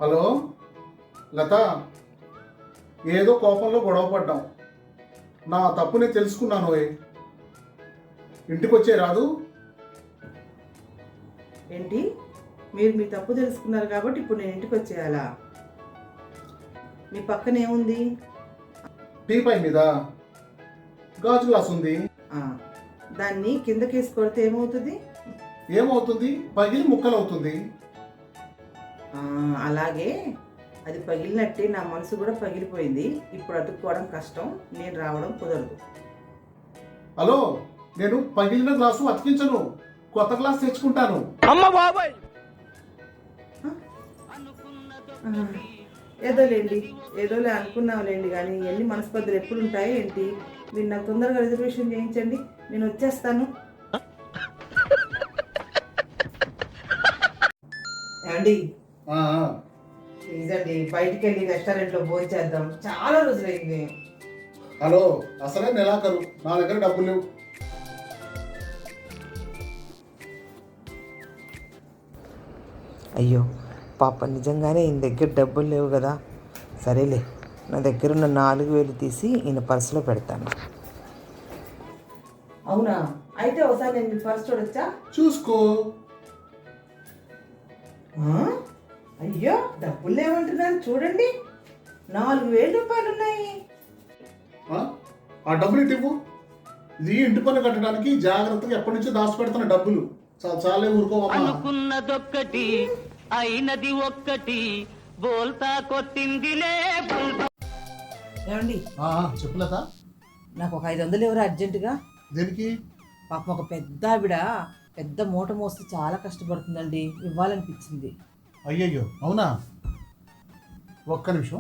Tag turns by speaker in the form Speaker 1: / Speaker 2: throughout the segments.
Speaker 1: Hello లత, ఏదో కోపంలో గొడవ పడ్డాం. నా తప్పుని తెలుసుకున్నాను. ఇంటికి వచ్చే రాదు.
Speaker 2: ఏంటి? మీరు మీ తప్పు తెలుసుకున్నారు కాబట్టి ఇప్పుడు నేను ఇంటికి వచ్చేయాలా? మీ పక్కన ఏముంది?
Speaker 1: టీ పై మీద గాజు గ్లాస్ ఉంది.
Speaker 2: దాన్ని కిందకేసి కొడితే ఏమవుతుంది?
Speaker 1: ఏమవుతుంది? పగిలి ముక్కలు అవుతుంది.
Speaker 2: అలాగే అది పగిలినట్టే నా మనసు కూడా పగిలిపోయింది. ఇప్పుడు అతుక్కోవడం కష్టం, నేను రావడం కుదరదు.
Speaker 1: హలో, నేను పగిలిన గ్లాసు అతికించను, కొత్త గ్లాస్ తెచ్చుకుంటాను.
Speaker 3: అమ్మ బాబాయ్,
Speaker 2: ఏదోలే అనుకున్నావులేండి, కానీ ఎన్ని మనస్పర్ధలు ఎప్పుడు ఉంటాయి ఏంటి? మీరు నాకు తొందరగా రిజర్వేషన్ చేయించండి, నేను వచ్చేస్తాను. ఏమండి, ప్లీజ్ అండి, బయటికి వెళ్ళి రెస్టారెంట్లో భోజనం చేద్దాం, చాలా రోజులైంది.
Speaker 1: హలో, అసలే నెలాఖరు, నా దగ్గర డబ్బులు లేవు.
Speaker 4: అయ్యో పాప, నిజంగానే ఈయన దగ్గర డబ్బులు లేవు కదా. సరేలే, నా దగ్గర ఉన్న 4,000 తీసి ఈయన పర్సులో పెడతాను.
Speaker 2: అవునా? అయితే ఒకసారి నేను మీ పర్స్ చూడొచ్చా?
Speaker 1: చూసుకో.
Speaker 2: అయ్యో, డబ్బులు లేవంటున్నాను, చూడండి, 4,000 రూపాయలు ఉన్నాయి.
Speaker 1: ఆ డబ్బులు ఇవ్వు. ఇది ఇంటి పన్ను కట్టడానికి జాగ్రత్తగా ఎప్పటి నుంచో దాచిపెడుతున్న డబ్బులు. చాలే, ఊరుకోవమ్మా.
Speaker 3: అనుకున్నదొక్కటి అయినది ఒక్కటి, బోల్తా కొట్టిందిలే.
Speaker 2: ఏమండి,
Speaker 1: చెప్పులత,
Speaker 2: నాకు ఒక 500 ఎవరు అర్జెంటుగా.
Speaker 1: దేనికి?
Speaker 2: పాపం ఒక పెద్ద ఆవిడ పెద్ద మూట మోస్తూ చాలా కష్టపడుతుందండి, ఇవ్వాలనిపించింది.
Speaker 1: అయ్యయ్యో, అవునా? ఒక్క నిమిషం.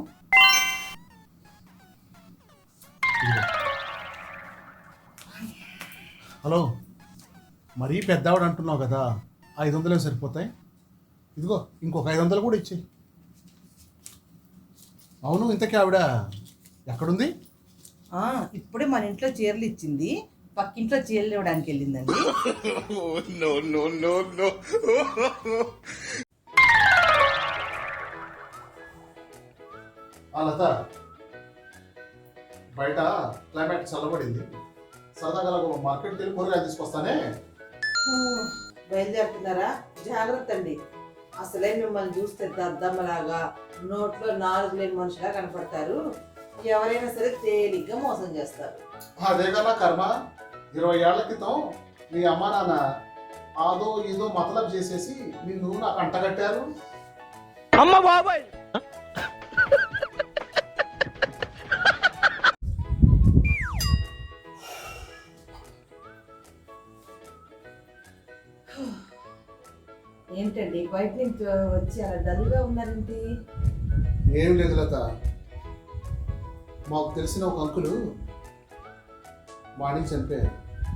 Speaker 1: హలో, మరీ పెద్దవాడు అంటున్నావు కదా, 500 సరిపోతాయి. ఇదిగో ఇంకొక 500 కూడా ఇచ్చేయి. అవును, ఇంతకీ ఆవిడ ఎక్కడుంది?
Speaker 2: ఇప్పుడే మన ఇంట్లో చీరలు ఇచ్చింది, పక్కింట్లో చీరలు ఇవ్వడానికి వెళ్ళిందండి.
Speaker 1: లత, బయట క్లైమేట్ చల్లబడింది, సరదాగా మార్కెట్కి వెళ్ళి కూరగాయలు తీసుకొస్తానే.
Speaker 2: బయలుదేరుతున్నారా? జాగ్రత్త అండి, అసలే మిమ్మల్ని చూస్తే దద్దమ్మలాగా నోట్లో 4 లేని మనుషులా కనపడతారు. ఎవరైనా సరే తేలిగ్గా మోసం చేస్తారు.
Speaker 1: అదే కదా కర్మ. 20 ఏళ్ల క్రితం మీ అమ్మ నాన్న ఆదో ఏదో మతలబ్ చేసేసి నిన్ను నాకు అంటగట్టారు.
Speaker 3: అమ్మ బాబాయ్,
Speaker 2: ఏంటండి బయట నుంచి వచ్చి అలా డల్గా ఉన్నారేంటి?
Speaker 1: ఏం లేదు లత, మాకు తెలిసిన ఒక అంకులు మార్నింగ్ చనిపోయారు.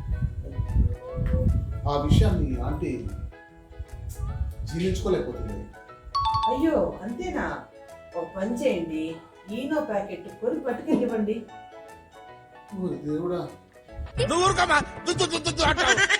Speaker 1: ఆ విషయాన్ని ఆంటీ జీర్ణించుకోలేకపోతుంది.
Speaker 2: అయ్యో, అంతేనా? ఒక పని చేయండి, ఈనో ప్యాకెట్ కొని పట్టుకెళ్ళివ్వండి.
Speaker 1: దేవుడా.